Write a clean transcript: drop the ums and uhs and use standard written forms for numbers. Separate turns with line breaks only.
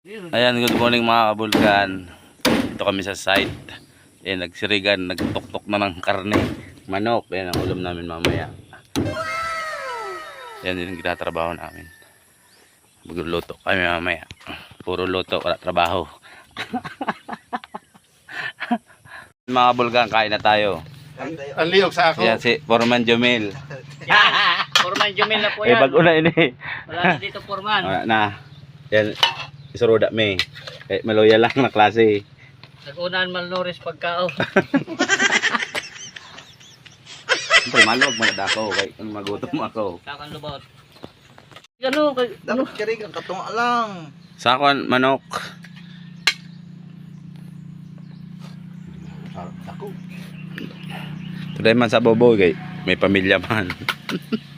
Ayan, good morning mga kabulkan. Ito kami sa site. Ayan, nagsirigan, nagtok-tok na ng karne. Manok, ayan ang ulam namin mamaya. Ayan din ang ginatrabaho namin. Magluluto kami mamaya. Puro luto, wala trabaho. Mga kabulkan, kain na tayo.
Ang liyog sa ako.
Ayan si Foreman Jomel.
Forman Jumel na po
Eh,
yan.
bago na ini.
Wala na dito Forman.
Wala na. Ayan, isuruda me. Eh, maloya lang na klase.
Nag-unaan malnouris pagkao.
Siyempre, maluwag mo na dako. Kaya kung magutom ako.
Kakan lubot. Ano?
Dapat kirig ang katunga lang.
Sakon, manok.
Ako.
Today man sa bobo, kay may pamilya man.